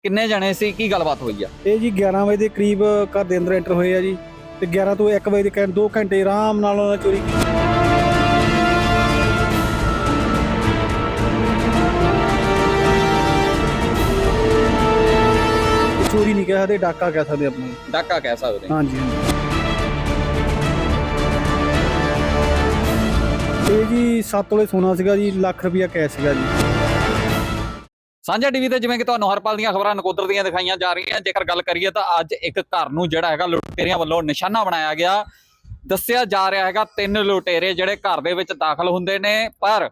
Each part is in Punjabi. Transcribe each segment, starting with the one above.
ਕਿੰਨੇ ਜਣੇ ਸੀ, ਕੀ ਗੱਲਬਾਤ ਹੋਈ ਆ? ਇਹ ਜੀ 11 ਵਜੇ ਦੇ ਕਰੀਬ ਘਰ ਦੇ ਅੰਦਰ ਐਂਟਰ ਹੋਏ ਆ ਜੀ ਤੇ 11 ਤੋਂ 1 ਵਜੇ ਦੇ 2 ਘੰਟੇ ਆਰਾਮ ਨਾਲ ਉਹਨਾਂ ਨੇ ਚੋਰੀ ਕੀਤੀ। ਚੋਰੀ ਨਹੀਂ ਕਹਿ ਸਕਦੇ, ਡਾਕਾ ਕਹਿ ਸਕਦੇ ਆਪਾਂ। ਡਾਕਾ ਕਹਿ ਸਕਦੇ ਹਾਂ। ਹਾਂਜੀ ਹਾਂਜੀ। ਇਹ ਜੀ 7 ਤੋਲੇ ਸੋਨਾ ਸੀਗਾ ਜੀ, ਲੱਖ ਰੁਪਇਆ ਕੈਸ਼ ਸੀਗਾ ਜੀ। ਸਾਂਝਾ ਟੀਵੀ ਤੇ ਜਿਵੇਂ ਕਿ ਤੁਹਾਨੂੰ ਹਰ ਪਲ ਦੀਆਂ ਖਬਰਾਂ ਨਕੋਦਰ ਦੀਆਂ ਦਿਖਾਈਆਂ ਜਾ ਰਹੀਆਂ। ਜੇਕਰ ਗੱਲ ਕਰੀਏ ਤਾਂ ਅੱਜ ਇੱਕ ਘਰ ਨੂੰ ਜਿਹੜਾ ਹੈਗਾ ਲੁਟੇਰਿਆਂ ਵੱਲੋਂ ਨਿਸ਼ਾਨਾ ਬਣਾਇਆ ਗਿਆ। ਦੱਸਿਆ ਜਾ ਰਿਹਾ ਹੈਗਾ 3 ਲੁਟੇਰੇ ਜਿਹੜੇ ਘਰ ਦੇ ਵਿੱਚ ਦਾਖਲ ਹੁੰਦੇ ਨੇ, ਪਰ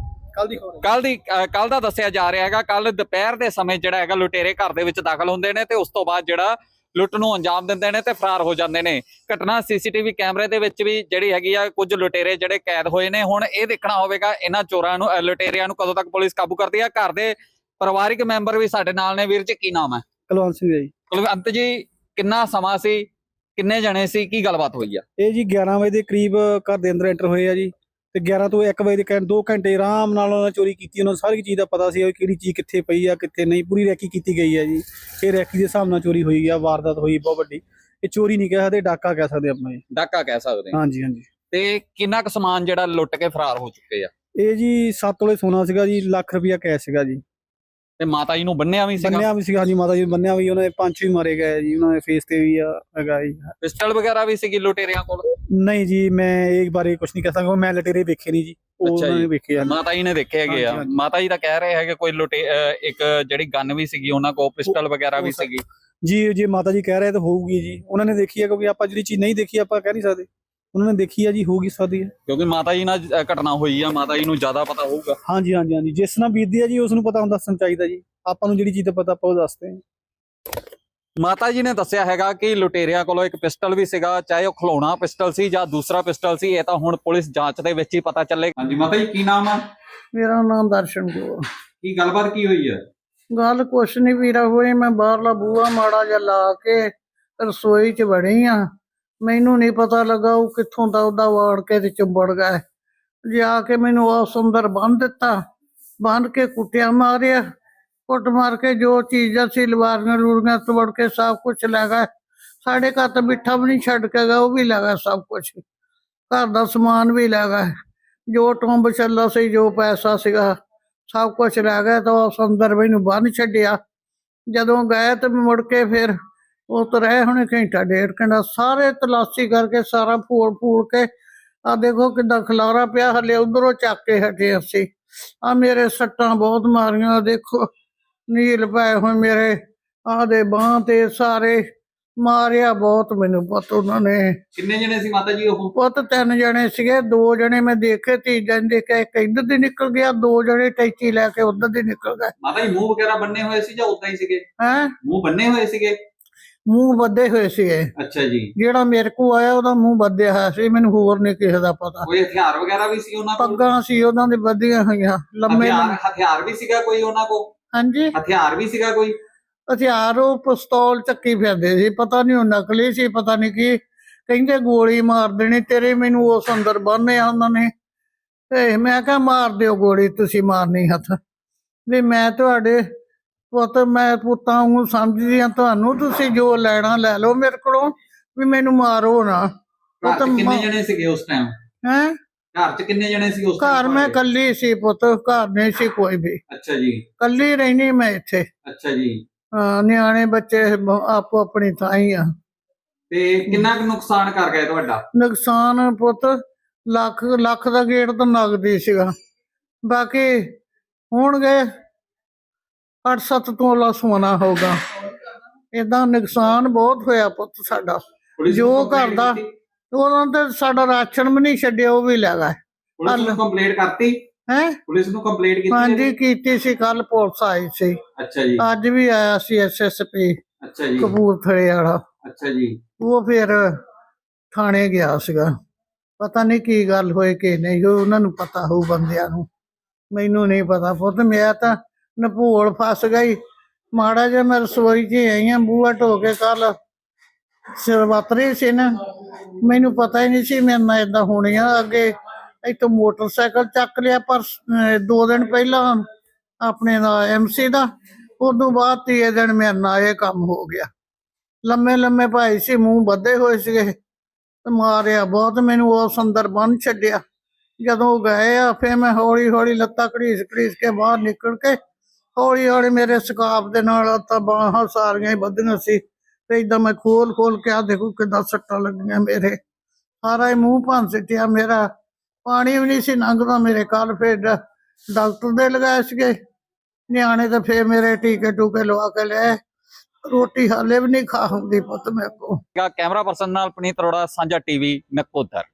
ਕੱਲ ਦਾ ਦੱਸਿਆ ਜਾ ਰਿਹਾ ਹੈਗਾ ਕੱਲ ਦੁਪਹਿਰ ਦੇ ਸਮੇਂ ਜਿਹੜਾ ਹੈਗਾ ਲੁਟੇਰੇ ਘਰ ਦੇ ਵਿੱਚ ਦਾਖਲ ਹੁੰਦੇ ਨੇ ਤੇ ਉਸ ਤੋਂ ਬਾਅਦ ਜਿਹੜਾ ਲੁੱਟ ਨੂੰ ਅੰਜਾਮ ਦਿੰਦੇ ਨੇ ਤੇ ਫਰਾਰ ਹੋ ਜਾਂਦੇ ਨੇ। ਘਟਨਾ ਸੀਸੀਟੀਵੀ ਕੈਮਰੇ ਦੇ ਵਿੱਚ ਵੀ ਜਿਹੜੀ ਹੈਗੀ ਆ ਕੁਝ ਲੁਟੇਰੇ ਜਿਹੜੇ ਕੈਦ ਹੋਏ ਨੇ। ਹੁਣ ਇਹ ਦੇਖਣਾ ਹੋਵੇਗਾ ਇਹਨਾਂ ਚੋਰਾਂ ਨੂੰ, ਲੁਟੇਰਿਆਂ ਨੂੰ ਕਦੋਂ ਤੱਕ ਪੁਲਿਸ ਕਾਬੂ ਕਰਦੀ ਹੈ। ਘਰ ਦੇ ਪਰਿਵਾਰਿਕ ਮੈਂਬਰ ਵੀ ਸਾਡੇ ਨਾਲ ਨੇ। ਵੀਰ ਜੀ ਕੀ ਨਾਮ ਹੈ? ਕੁਲਵੰਤ ਸਿੰਘ ਜੀ। ਕੁਲਵੰਤ ਜੀ, ਕਿੰਨਾ ਸਮਾਂ ਸੀ, ਕਿੰਨੇ ਜਣੇ ਸੀ, ਕੀ ਗੱਲਬਾਤ ਹੋਈ ਆ? ਇਹ ਜੀ 11 ਵਜੇ ਦੇ ਕਰੀਬ ਘਰ ਦੇ ਅੰਦਰ ਐਂਟਰ ਹੋਏ ਆ ਜੀ ਤੇ 11 ਤੋਂ 1 ਵਜੇ ਦੇ 2 ਘੰਟੇ ਆਰਾਮ ਨਾਲ ਉਹਨਾਂ ਨੇ ਚੋਰੀ ਕੀਤੀ। ਉਹਨਾਂ ਨੂੰ ਸਾਰੀ ਚੀਜ਼ ਦਾ ਪਤਾ ਸੀ ਕਿਹੜੀ ਚੀਜ਼ ਕਿੱਥੇ ਪਈ ਆ ਕਿੱਥੇ ਨਹੀਂ। ਪੂਰੀ ਰੈਕੀ ਕੀਤੀ ਗਈ ਆ ਜੀ। ਇਹ ਰੈਕੀ ਦੇ ਹਿਸਾਬ ਨਾਲ ਚੋਰੀ ਹੋਈ ਆ, ਵਾਰਦਾਤ ਹੋਈ ਬਹੁਤ ਵੱਡੀ। ਇਹ ਚੋਰੀ ਨਹੀਂ ਕਹਿ ਸਕਦੇ, ਡਾਕਾ ਕਹਿ ਸਕਦੇ ਆਪਾਂ ਜੀ। ਡਾਕਾ ਕਹਿ ਸਕਦੇ ਹਾਂ। ਹਾਂਜੀ ਹਾਂਜੀ। ਤੇ ਕਿੰਨਾ ਕੁ ਸਮਾਨ ਜਿਹੜਾ ਲੁੱਟ ਕੇ ਫਰਾਰ ਹੋ ਚੁੱਕੇ ਆ? ਇਹ ਜੀ 7 ਤੋਲੇ ਸੋਨਾ ਸੀਗਾ ਜੀ, ਲੱਖ ਰੁਪਇਆ ਕੈਸ਼ ਸੀਗਾ ਜੀ। ਤੇ ਮਾਤਾ ਜੀ ਨੂੰ ਬੰਨਿਆ ਵੀ ਸੀਗਾ? ਬੰਨਿਆ ਵੀ ਸੀਗਾ ਜੀ, ਮਾਤਾ ਜੀ ਨੂੰ ਬੰਨਿਆ ਵੀ। ਉਹਨਾਂ ਦੇ ਪੰਜ ਵੀ ਮਾਰੇ ਗਏ ਜੀ, ਉਹਨਾਂ ਦੇ ਫੇਸ ਤੇ ਵੀ ਆ ਹੈਗਾ ਜੀ। ਪਿਸਟਲ ਵਗੈਰਾ ਵੀ ਸੀਗੀ ਲੁਟੇਰਿਆਂ ਕੋਲ? ਨਹੀਂ ਜੀ, ਮੈਂ ਇਹ ਬਾਰੇ ਕੁਝ ਨਹੀਂ ਕਹਿ ਸਕਦਾ, ਮੈਂ ਲੁਟੇਰੇ ਵੇਖੇ ਨਹੀਂ ਜੀ। ਉਹ ਉਹਨਾਂ ਨੇ ਵੇਖੇ ਆ। ਮਾਤਾ ਜੀ ਨੇ ਦੇਖੇ ਹੈਗੇ ਆ। ਮਾਤਾ ਜੀ ਤਾਂ ਕਹਿ ਰਹੇ ਹੈਗੇ ਕੋਈ ਇੱਕ ਜਿਹੜੀ ਗਨ ਵੀ ਸੀਗੀ ਉਹਨਾਂ ਕੋਲ, ਪਿਸਟਲ ਵਗੈਰਾ ਵੀ ਸੀਗੀ ਜੀ। ਜੇ ਮਾਤਾ ਜੀ ਕਹਿ ਰਹੇ ਤਾਂ ਹੋਊਗੀ ਜੀ, ਉਹਨਾਂ ਨੇ ਦੇਖੀ ਹੈ। ਕਿਉਂਕਿ ਆਪਾਂ ਜਿਹੜੀ ਚੀਜ਼ ਨਹੀਂ ਦੇਖੀ ਆਪਾਂ ਕਹਿ ਨਹੀਂ ਸਕਦੇ। ਉਹਨਾਂ ਨੇ ਦੇਖੀ ਆ ਜੀ, ਹੋਊਗੀ ਸਕਦੀ ਹੈ ਕਿਉਂਕਿ ਮਾਤਾ ਜੀ ਨਾਲ ਘਟਨਾ ਹੋਈ ਆ, ਮਾਤਾ ਜੀ ਨੂੰ ਜ਼ਿਆਦਾ ਪਤਾ ਹੋਊਗਾ। ਹਾਂਜੀ ਹਾਂਜੀ ਹਾਂਜੀ। ਜਿਸ ਨਾਲ ਬੀਤਦੀ ਆ ਜੀ ਉਸ ਨੂੰ ਪਤਾ ਹੁੰਦਾ, ਦੱਸਣਾ ਚਾਹੀਦਾ ਜੀ। ਆਪਾਂ ਨੂੰ ਜਿਹੜੀ ਚੀਜ਼ ਦਾ ਪਤਾ ਆਪਾਂ ਉਹ ਦੱਸਦੇ ਹਾਂ। ਮਾਤਾ ਜੀ ਨੇ ਦੱਸਿਆ ਹੈਗਾ ਕਿ ਲੁਟੇਰਿਆਂ ਕੋਲੋਂ ਇੱਕ ਪਿਸਟਲ ਵੀ ਸੀਗਾ, ਚਾਹੇ ਉਹ ਖਿਲੌਣਾ ਪਿਸਟਲ ਸੀ ਜਾਂ ਦੂਸਰਾ ਪਿਸਟਲ ਸੀ, ਇਹ ਤਾਂ ਹੁਣ ਪੁਲਿਸ ਜਾਂਚ ਦੇ ਵਿੱਚ ਹੀ ਪਤਾ ਚੱਲੇਗਾ। ਹਾਂਜੀ ਮਾਤਾ ਜੀ, ਕੀ ਨਾਮ ਆ? ਮੇਰਾ ਨਾਮ ਦਰਸ਼ਨ ਕੌਰ। ਕੀ ਗੱਲਬਾਤ ਕੀ ਹੋਈ ਹੈ? ਗੱਲ ਕੁਛ ਨਹੀਂ ਵੀਰਾ ਹੋਈ। ਮੈਂ ਬਾਹਰਲਾ ਬੂਹਾ ਮਾੜਾ ਜਿਹਾ ਲਾ ਕੇ ਰਸੋਈ 'ਚ ਵੜੀ ਆ। ਮੈਨੂੰ ਨਹੀਂ ਪਤਾ ਲੱਗਾ ਉਹ ਕਿੱਥੋਂ ਦਾ ਉਹਦਾ ਵਾੜ ਕੇ ਤੇ ਚੁੰਬੜ ਗਿਆ। ਜਾ ਕੇ ਮੈਨੂੰ ਉਸ ਅੰਦਰ ਬੰਨ੍ਹ ਦਿੱਤਾ, ਬੰਨ੍ਹ ਕੇ ਕੁੱਟਿਆ ਮਾਰਿਆ। ਕੁੱਟ ਮਾਰ ਕੇ ਜੋ ਚੀਜ਼ਾਂ ਸੀ ਲਵਾਰੀਆਂ ਲੂਰੀਆਂ ਤੋੜ ਕੇ ਸਭ ਕੁਛ ਲੈ ਗਏ। ਸਾਡੇ ਘਰ ਤਾਂ ਮਿੱਠਾ ਵੀ ਨਹੀਂ ਛੱਡ ਕੇ ਗਿਆ, ਉਹ ਵੀ ਲੈ ਗਏ ਸਭ ਕੁਛ। ਘਰ ਦਾ ਸਮਾਨ ਵੀ ਲੈ ਗਏ, ਜੋ ਟੁੰਬ ਛੱਲਾ ਸੀ, ਜੋ ਪੈਸਾ ਸੀਗਾ ਸਭ ਕੁਛ ਲੈ ਗਏ। ਤਾਂ ਉਸ ਅੰਦਰ ਮੈਨੂੰ ਬੰਨ੍ਹ ਛੱਡਿਆ। ਜਦੋਂ ਗਏ ਤੇ ਮੁੜ ਕੇ ਫਿਰ ਉਹ ਤਾਂ ਰਹੇ ਹੁਣੇ ਘੰਟਾ ਡੇਢ ਘੰਟਾ। ਸਾਰੇ ਤਲਾਸ਼ੀ ਕਰਕੇ ਸਾਰਾ ਫੂਲ ਕੇ ਆ ਦੇਖੋ ਕਿੱਦਾਂ ਖਲਾਰਾ ਪਿਆ। ਹਲੇ ਉਧਰੋਂ ਚੱਕ ਕੇ ਹਟੇ ਅਸੀਂ। ਆ ਮੇਰੇ ਸੱਟਾਂ ਬਹੁਤ ਮਾਰੀਆਂ, ਦੇਖੋ ਨੀਲ ਪਏ ਹੋਏ ਮੇਰੇ ਆਹ ਦੇ ਬਾਂਹ ਤੇ ਸਾਰੇ। ਮਾਰਿਆ ਬਹੁਤ ਮੈਨੂੰ ਪੁੱਤ ਉਹਨਾਂ ਨੇ। ਕਿੰਨੇ ਜਣੇ ਸੀ ਮਾਤਾ ਜੀ ਉਹ? ਪੁੱਤ 3 ਜਣੇ ਸੀਗੇ, 2 ਜਣੇ ਮੈਂ ਦੇਖੇ, ਤੀਜਾ ਨਹੀਂ ਦੇਖਿਆ। ਇੱਕ ਇੱਧਰ ਦੀ ਨਿਕਲ ਗਿਆ, 2 ਜਣੇ ਟੈਚੀ ਲੈ ਕੇ ਉੱਧਰ ਦੀ ਨਿਕਲ ਗਏ। ਮਾਤਾ ਜੀ ਮੂੰਹ ਵਗੈਰਾ ਬੰਨੇ ਹੋਏ ਸੀ ਜਾਂ ਉਦਾਂ ਹੀ ਸੀਗੇ? ਹੈਂ? ਮੂੰਹ ਬੰਨੇ ਹੋਏ ਸੀਗੇ? ਮੂੰਹ ਬੱਧੇ ਹੋਏ ਸੀਗੇ। ਅੱਛਾ ਜੀ। ਜਿਹੜਾ ਮੇਰੇ ਕੋਲ ਆਇਆ ਉਹਦਾ ਮੂੰਹ ਬੱਧਿਆ ਹੋਇਆ ਸੀ, ਮੈਨੂੰ ਹੋਰ ਨਹੀਂ ਕਿਸੇ ਦਾ ਪਤਾ। ਕੋਈ ਹਥਿਆਰ ਵਗੈਰਾ ਵੀ ਸੀ ਉਹਨਾਂ ਕੋਲ? ਪੱਗਾਂ ਸੀ ਉਹਨਾਂ ਦੀ ਬੱਧੀਆਂ ਹੋਈਆਂ ਲੰਮੇ। ਹਥਿਆਰ ਵੀ ਸੀਗਾ ਕੋਈ ਉਹਨਾਂ ਕੋਲ? ਹਾਂਜੀ, ਹਥਿਆਰ ਵੀ ਸੀਗਾ ਕੋਈ? ਹਥਿਆਰ ਉਹ ਪਿਸਤੌਲ ਚੱਕੀ ਫਿਰਦੇ ਸੀ, ਪਤਾ ਨਹੀਂ ਉਹ ਨਕਲੀ ਸੀ ਪਤਾ ਨਹੀਂ ਕੀ। ਕਹਿੰਦੇ ਗੋਲੀ ਮਾਰ ਦੇਣੀ ਤੇਰੇ। ਮੈਨੂੰ ਉਸ ਅੰਦਰ ਬੰਨ੍ਹਿਆ ਉਹਨਾਂ ਨੇ ਤੇ ਮੈਂ ਕਿਹਾ ਮਾਰ ਦਿਓ ਗੋਲੀ, ਤੁਸੀਂ ਮਾਰਨੀ ਹੱਥ ਵੀ ਮੈਂ ਤੁਹਾਡੇ ਪੁੱਤ, ਮੈਂ ਪੁੱਤਾਂ ਨੂੰ ਸਮਝਦੀ ਹਾਂ ਤੁਹਾਨੂੰ। ਤੁਸੀਂ ਜੋ ਲੈਣਾ ਲੈ ਲਓ ਮੇਰੇ ਕੋਲੋਂ, ਵੀ ਮੈਨੂੰ ਮਾਰੋ ਨਾ। ਘਰ 'ਚ ਕਿੰਨੇ ਜਣੇ ਸੀਗੇ ਉਸ ਟਾਈਮ? ਹੈਂ? ਘਰ 'ਚ ਕਿੰਨੇ ਜਣੇ ਸੀ ਉਸ ਟਾਈਮ? ਘਰ ਮੈਂ ਕੱਲੀ ਸੀ ਪੁੱਤ, ਘਰ ਨਹੀਂ ਸੀ ਕੋਈ ਵੀ। ਅੱਛਾ ਜੀ। ਕੱਲੀ ਰਹਿਣੀ ਮੈਂ ਇੱਥੇ। ਅੱਛਾ ਜੀ। ਹਾਂ, ਨਿਆਣੇ ਬੱਚੇ ਆਪੋ ਆਪਣੀ ਥਾਂ ਹੀ ਆ। ਤੇ ਕਿੰਨਾ ਕੁ ਨੁਕਸਾਨ ਕਰ ਗਏ ਤੁਹਾਡਾ? ਨੁਕਸਾਨ ਪੁੱਤ ਲੱਖ ਦਾ ਗੇਟ ਤਾਂ ਨਗਦੀ ਸੀਗਾ। ਬਾਕੀ ਹੋਣਗੇ 8-7 ਤੋਲਾ ਸੋਨਾ ਹੋਊਗਾ। ਏਦਾਂ ਨੁਕਸਾਨ ਬਹੁਤ ਹੋਇਆ ਪੁੱਤ ਸਾਡਾ। ਜੋ ਘਰ ਦਾ ਉਹਨਾਂ ਤੇ ਸਾਡਾ ਰਾਸ਼ਨ ਵੀ ਨਹੀਂ ਛੱਡਿਆ, ਉਹ ਵੀ ਲੈ ਗਏ। ਪੁਲਿਸ ਨੂੰ ਕੰਪਲੇਂਟ ਕਰਤੀ? ਹੈਂ? ਪੁਲਿਸ ਨੂੰ ਕੰਪਲੇਂਟ ਕੀਤੀ? ਹਾਂਜੀ ਕੀਤੀ ਸੀ, ਕੱਲ ਪੁਲਿਸ ਆਈ ਸੀ। ਅੱਛਾ ਜੀ। ਅੱਜ ਵੀ ਆਇਆ ਸੀ SSP ਅੱਛਾ ਜੀ। ਕਪੂਰਥਲੇ ਵਾਲਾ। ਅੱਛਾ ਜੀ। ਉਹ ਫਿਰ ਥਾਣੇ ਗਿਆ ਸੀਗਾ। ਪਤਾ ਨਹੀਂ ਕੀ ਗੱਲ ਹੋਈ ਕਿ ਨਹੀਂ, ਉਹਨਾਂ ਨੂੰ ਪਤਾ ਹੋਊ ਬੰਦਿਆਂ ਨੂੰ, ਮੈਨੂੰ ਨਹੀਂ ਪਤਾ ਪੁੱਤ। ਮੈਂ ਤਾਂ ਨਪੋਲ ਫਸ ਗਈ ਮਾੜਾ ਜਿਹਾ। ਮੈਂ ਰਸੋਈ 'ਚ ਆਈ ਹਾਂ, ਬੂਹਾ ਢੋ ਕੇ ਕੱਲ ਸਿਰਵਤਰੀ ਸੀ ਨਾ, ਮੈਨੂੰ ਪਤਾ ਹੀ ਨਹੀਂ ਸੀ ਮੇਰੇ ਨਾਲ ਏਦਾਂ ਹੋਣੀ ਆ। ਅੱਗੇ ਇੱਥੋਂ ਮੋਟਰਸਾਈਕਲ ਚੱਕ ਲਿਆ ਪਰ 2 ਦਿਨ ਪਹਿਲਾਂ ਆਪਣੇ ਦਾ MC ਦਾ, ਉਦੋਂ ਬਾਅਦ ਤੀਏ ਦਿਨ ਮੇਰੇ ਨਾਲ ਇਹ ਕੰਮ ਹੋ ਗਿਆ। ਲੰਮੇ ਲੰਮੇ ਭਾਈ ਸੀ, ਮੂੰਹ ਬੱਧੇ ਹੋਏ ਸੀਗੇ ਤੇ ਮਾਰਿਆ ਬਹੁਤ ਮੈਨੂੰ, ਉਸ ਅੰਦਰ ਬੰਨ ਛੱਡਿਆ। ਜਦੋਂ ਉਹ ਗਏ ਆ ਫਿਰ ਮੈਂ ਹੌਲੀ ਹੌਲੀ ਲੱਤਾਂ ਘੜੀਸ ਘੜੀਸ ਕੇ ਬਾਹਰ ਨਿਕਲ ਕੇ ਹੌਲੀ ਹੌਲੀ ਮੇਰੇ ਸਕਾਫ ਦੇ ਨਾਲ ਲੱਤਾਂ ਬਾਹਾਂ ਸਾਰੀਆਂ ਹੀ ਬੱਧੀਆਂ ਸੀ ਤੇ ਏਦਾਂ ਮੈਂ ਖੋਲ ਖੋਲ ਕੇ ਆ ਦੇਖੋ ਕਿੱਦਾਂ ਸੱਟਾਂ ਲੱਗੀਆਂ ਮੇਰੇ, ਸਾਰਾ ਹੀ ਮੂੰਹ ਭੰਨ ਸਿੱਟਿਆ ਮੇਰਾ। ਪਾਣੀ ਵੀ ਨਹੀਂ ਸੀ ਲੰਘਦਾ ਮੇਰੇ। ਕੱਲ ਫਿਰ ਡਾਕਟਰ ਦੇ ਲਗਾਏ ਸੀਗੇ ਨਿਆਣੇ ਤੇ ਫਿਰ ਮੇਰੇ ਟੀਕੇ ਟੂਕੇ ਲਵਾ ਕੇ ਲਿਆਏ। ਰੋਟੀ ਹਾਲੇ ਵੀ ਨਹੀਂ ਖਾ ਹੁੰਦੀ ਪੁੱਤ ਮੇਰੇ ਕੋਲ। ਕੈਮਰਾ ਪਰਸਨ ਨਾਲ ਪੁਨੀਤ ਅਰੋੜਾ, ਸਾਂਝਾ ਟੀਵੀ, ਨਕੋਦਰ।